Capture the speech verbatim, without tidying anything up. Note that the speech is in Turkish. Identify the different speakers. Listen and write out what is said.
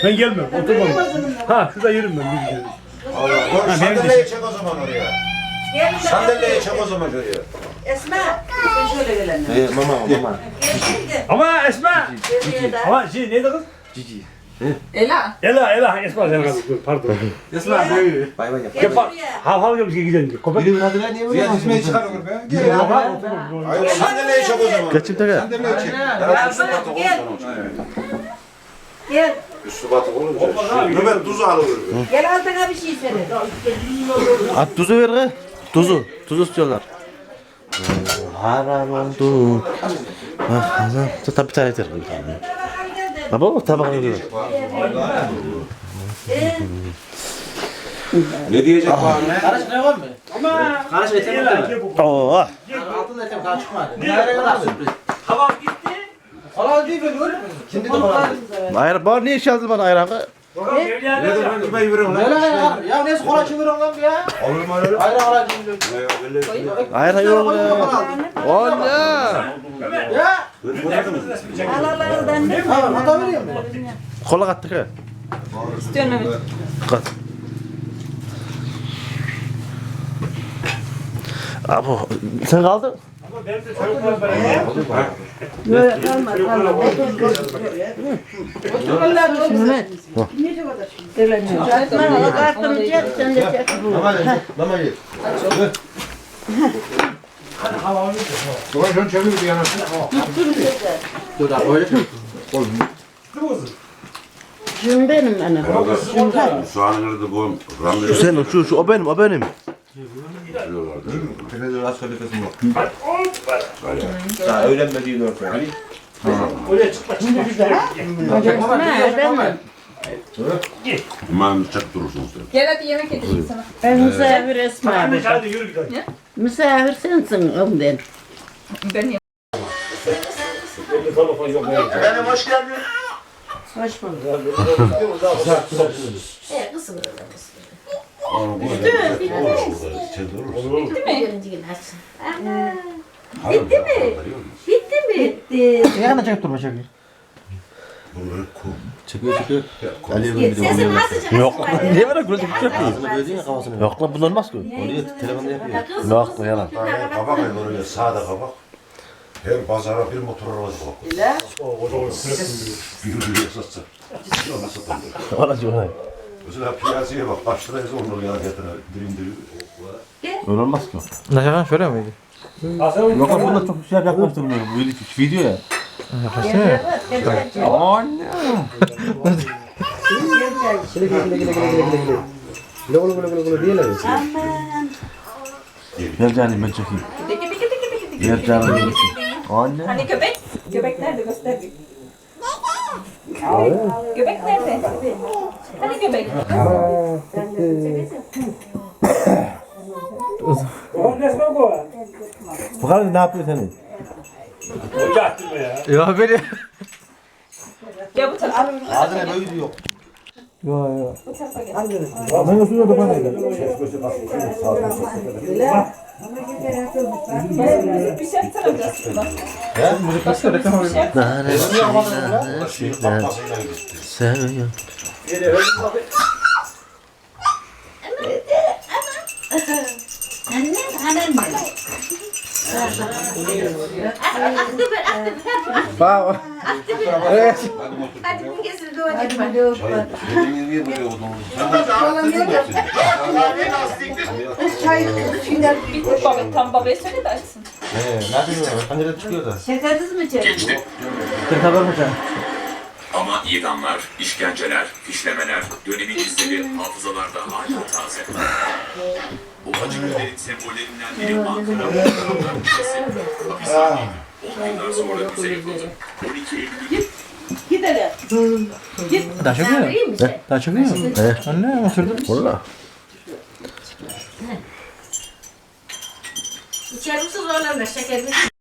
Speaker 1: Ben gelmem. Oturmam. Ha şurada yerim ben. Bir gidelim.
Speaker 2: Allah. Ha, sandalyeyi çek o zaman oraya. Sandalyeyi çek o zaman şuraya.
Speaker 3: Esma, sen şöyle gel anne.
Speaker 4: Ee, mama mama.
Speaker 1: Ama Esma. Ama şey neydi kız?
Speaker 4: Cici.
Speaker 3: Ela.
Speaker 1: Ela Ela Esma sen kız. Dur pardon.
Speaker 4: Esma böyle. Bay bay yap.
Speaker 1: Gel bak. Hav hav gibi gidelim. Köpek.
Speaker 4: Birinin adına niye böyle?
Speaker 2: Ziya dizmeyi çıkar olur be.
Speaker 1: Yok ha oturmam.
Speaker 2: Hayır sandalyeyi çek o zaman.
Speaker 4: Kaçım taka?
Speaker 2: Sandalyeyi çek.
Speaker 3: Gel. Gel.
Speaker 2: Üstü batık olunca. Nöbet tuzu alır.
Speaker 3: Gel altına bir şey söyle.
Speaker 4: At tuzu ver kız. Tuzu. Tuzu istiyorlar. Haram oldu. Ah, haram. Tabi tane yeter. Baba bak tabağını ver.
Speaker 2: Ne diyecek bana?
Speaker 5: Karış ne var mı?
Speaker 1: Ama.
Speaker 5: Karış etem yok değil mi?
Speaker 4: Oo.
Speaker 5: Altın etem daha çıkmadı. Nereye kadar sürpriz?
Speaker 1: Tamam gitti.
Speaker 5: Falan değil böyle öyle mi? Şimdi de falan.
Speaker 4: Ayran bana niye çaldın bana ayranı?
Speaker 1: Bakalım evliya
Speaker 2: Ne de ben kime yürüyorum
Speaker 5: Öyle
Speaker 2: lan?
Speaker 5: ya. Ya neyse kola çeviriyorum lan ya.
Speaker 2: Olur mu öyle?
Speaker 5: Ayran kola çeviriyorum.
Speaker 4: Ayran yok ya. O ne?
Speaker 5: Ya.
Speaker 3: Alalarından ne?
Speaker 5: Tamam hata veriyor mu?
Speaker 4: Kola kattık ha. Kat. Abo sen kaldın.
Speaker 1: Ama benim de çocuklar beraber.
Speaker 3: Böyle kalma kalma. Otur Allah olsun. Öyle kartını çek sen de çek.
Speaker 2: Lama ye. Ulan şunu çevir bir yana.
Speaker 5: Dur da öyle mi?
Speaker 3: Şimdi benim annem.
Speaker 6: Soğanı nerede bu? Ramlı
Speaker 4: Şu senin şu şu o benim o benim.
Speaker 2: Tepede rast kalitesi yok.
Speaker 4: Daha öğrenmediğin ortaya.
Speaker 1: Oraya çıkma çıkma.
Speaker 3: Ne benim.
Speaker 6: İmam çak durursunuz.
Speaker 7: Gel hadi yemek edeyim sana.
Speaker 3: Ben misafir Esma abi.
Speaker 1: Hadi yürü gidelim.
Speaker 3: Misafir sensin ondan.
Speaker 7: Ben yemek.
Speaker 1: Benim telefon yok.
Speaker 2: Efendim hoş geldin.
Speaker 3: Hoş bulduk.
Speaker 8: Evet, kısım öyle kısım. Birinci gün açsın.
Speaker 6: Bitti mi?
Speaker 8: Bitti mi?
Speaker 3: Bitti.
Speaker 5: Yanına çekip durma çekiyor.
Speaker 6: Bunları kum.
Speaker 4: Çıkıyor çıkıyor. Ali'ye bir de
Speaker 8: Sesin
Speaker 4: oluyor.
Speaker 8: nasıl çıkacak?
Speaker 4: Yok lan niye böyle gülüp yapıyor?
Speaker 5: Ağzını gözün ya kafasını.
Speaker 4: Yok lan bunlar olmaz ki. Oluyor telefonda yapıyor. Yok lan yalan.
Speaker 2: Kabak ayı oraya sağda kabak. Her pazara bir motor arabası bak. Bir yürüye satsa. Ona satan diyor.
Speaker 4: Olacak olay.
Speaker 2: Mesela piyasaya bak. Kaç liraya zorluyor ya getire. Dirim dirim.
Speaker 4: Öyle olmaz ki.
Speaker 5: Ne şaka şöyle miydi?
Speaker 4: Yok lan bunlar çok şey yaklaştırmıyor. Bu video ya. Anne.
Speaker 5: Gile gile gile gile gile gile gile. Gile gile gile gile gile diyeler.
Speaker 4: Gel canım ben çekeyim.
Speaker 7: Gidi gidi gidi gidi gidi.
Speaker 4: Gel canım ben çekeyim. Anne.
Speaker 7: Hani göbek? Göbek nerede göster bir. Göbek nerede? Hani göbek?
Speaker 4: Bakalım ne yapıyor senin?
Speaker 1: Hoca attırma ya.
Speaker 5: Ya beni.
Speaker 7: Gel bu tarafa.
Speaker 4: Ağzına böyle diyor.
Speaker 5: Ya ya.
Speaker 7: Bu tarafa gel.
Speaker 5: Ben de suya da bana gel.
Speaker 7: Bir şey yaptıracağız şuradan.
Speaker 4: Nanesi nanesi
Speaker 2: Tapmasıyla gitti.
Speaker 4: seviyor.
Speaker 8: Annem, annem. Aktı ver, aktı ver.
Speaker 5: Bak. Evet.
Speaker 8: Hadi bu kesin doğacak.
Speaker 3: Hadi hadi yok.
Speaker 2: Dediğin niye böyle odun? Sen de attın
Speaker 3: Çay içinden
Speaker 7: Bitti baba. Tam babaya söyle de açsın.
Speaker 4: Ee, ne yapıyorsun? Pencereden çıkıyor da.
Speaker 3: şekersiz mi içelim?
Speaker 5: Sen haber mi sen?
Speaker 9: Ama idamlar, işkenceler, fişlemeler, dönemin izleri hafızalarda hala taze. Bu acı günlerin sembollerinden biri Ankara Muhtarlığı Müzesi. Hapishaneydi. on yıllar sonra müze yapıldı. on iki Eylül
Speaker 3: Gidelim.
Speaker 5: Daha çok mu?
Speaker 8: İyi misin?
Speaker 5: Daha çok mu?
Speaker 4: Evet.
Speaker 5: Anne oturdum.
Speaker 4: Valla.
Speaker 8: İçerim su zorlanır, şeker bir